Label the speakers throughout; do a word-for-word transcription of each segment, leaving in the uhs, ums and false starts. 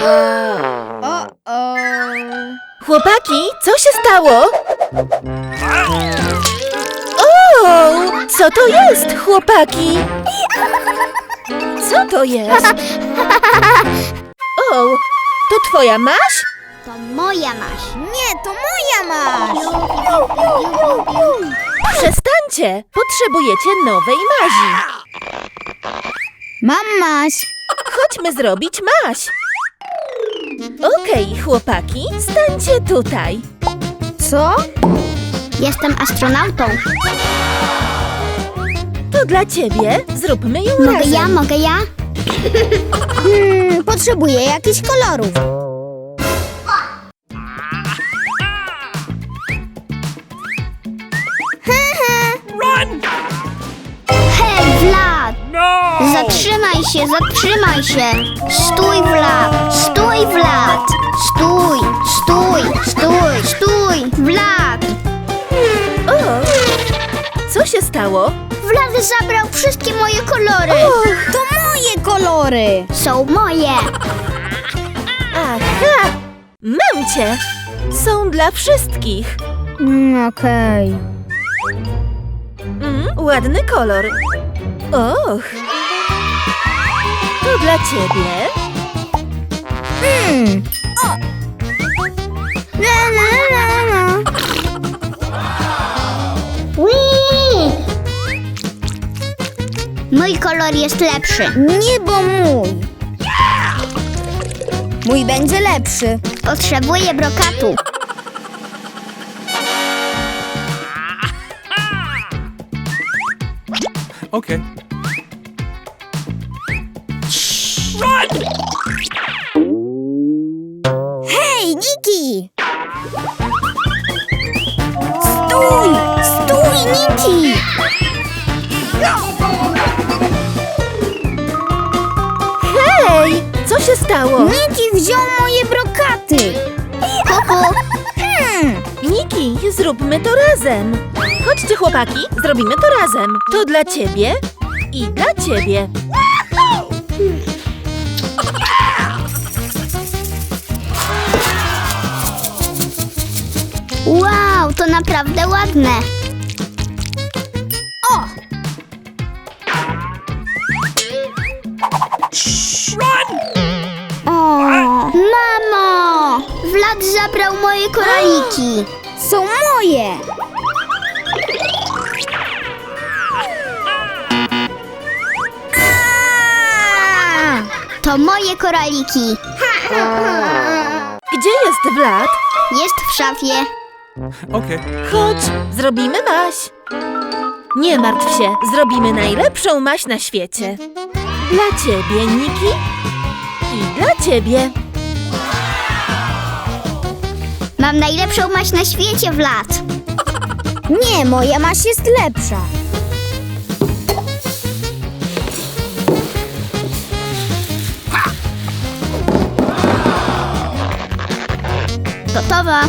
Speaker 1: O-o.
Speaker 2: Chłopaki, co się stało? O, co to jest, chłopaki? Co to jest? O, to twoja maś?
Speaker 3: To moja maś.
Speaker 1: Nie, to moja masz.
Speaker 2: Przestańcie, potrzebujecie nowej mazi.
Speaker 1: Mam maś.
Speaker 2: Chodźmy zrobić maś. Okej, chłopaki, stańcie tutaj.
Speaker 1: Co?
Speaker 3: Jestem astronautą.
Speaker 2: To dla ciebie, zróbmy ją
Speaker 3: Mogę
Speaker 2: razem.
Speaker 3: ja, mogę ja?
Speaker 1: Hmm, potrzebuję jakichś kolorów.
Speaker 3: Hej, Vlad! Zatrzymaj się, zatrzymaj się! Stój, Vlad! Stój, Vlad! Stój, stój, stój, stój! Vlad!
Speaker 2: O, co się stało?
Speaker 3: Vlad zabrał wszystkie moje kolory!
Speaker 1: To moje kolory.
Speaker 3: Są moje!
Speaker 2: Aha, mam cię. Są dla wszystkich.
Speaker 1: Mm, Okej.
Speaker 2: Mm, ładny kolor. Och, to dla ciebie.
Speaker 1: Hmm. O. La, la, la, la.
Speaker 3: Whee! Mój kolor jest lepszy.
Speaker 1: Nie, bo mój. Mój będzie lepszy.
Speaker 3: Potrzebuję brokatu.
Speaker 4: Okay.
Speaker 1: Hej, Niki! Stój! Stój, Niki!
Speaker 2: Hej, co się stało?
Speaker 1: Niki wziął moje brokaty.
Speaker 3: Kuku,
Speaker 1: Hmm.
Speaker 2: Niki, zróbmy to razem. Chodźcie, chłopaki, zrobimy to razem. To dla ciebie i dla ciebie.
Speaker 3: wow, to naprawdę ładne.
Speaker 1: O! O!
Speaker 3: Mamo! Vlad zabrał moje koraliki.
Speaker 1: Są moje! Aaa!
Speaker 3: To moje koraliki.
Speaker 2: Gdzie jest Vlad?
Speaker 3: Jest w szafie.
Speaker 4: Okay.
Speaker 2: Chodź, zrobimy maś. Nie martw się, zrobimy najlepszą maś na świecie. Dla ciebie, Niki, i dla ciebie.
Speaker 3: Mam najlepszą maś na świecie, Vlad.
Speaker 1: Nie, moja maś jest lepsza.
Speaker 3: Gotowa.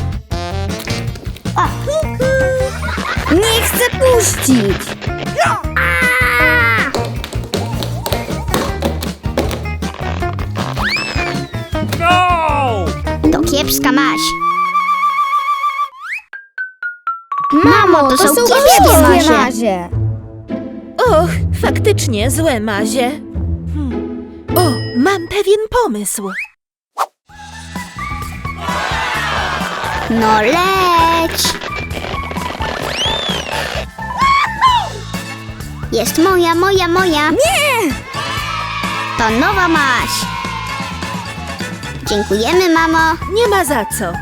Speaker 1: Nie chcę puścić.
Speaker 4: No!
Speaker 3: To kiepska maś.
Speaker 1: Mamo,
Speaker 3: to są kiepskie
Speaker 1: kiepskie
Speaker 3: mazie.
Speaker 1: mazie.
Speaker 2: Och, faktycznie złe mazie. Hmm. O, mam pewien pomysł.
Speaker 3: No leć. Jest moja, moja, moja.
Speaker 1: Nie!
Speaker 3: To nowa maś. Dziękujemy, mamo.
Speaker 2: Nie ma za co.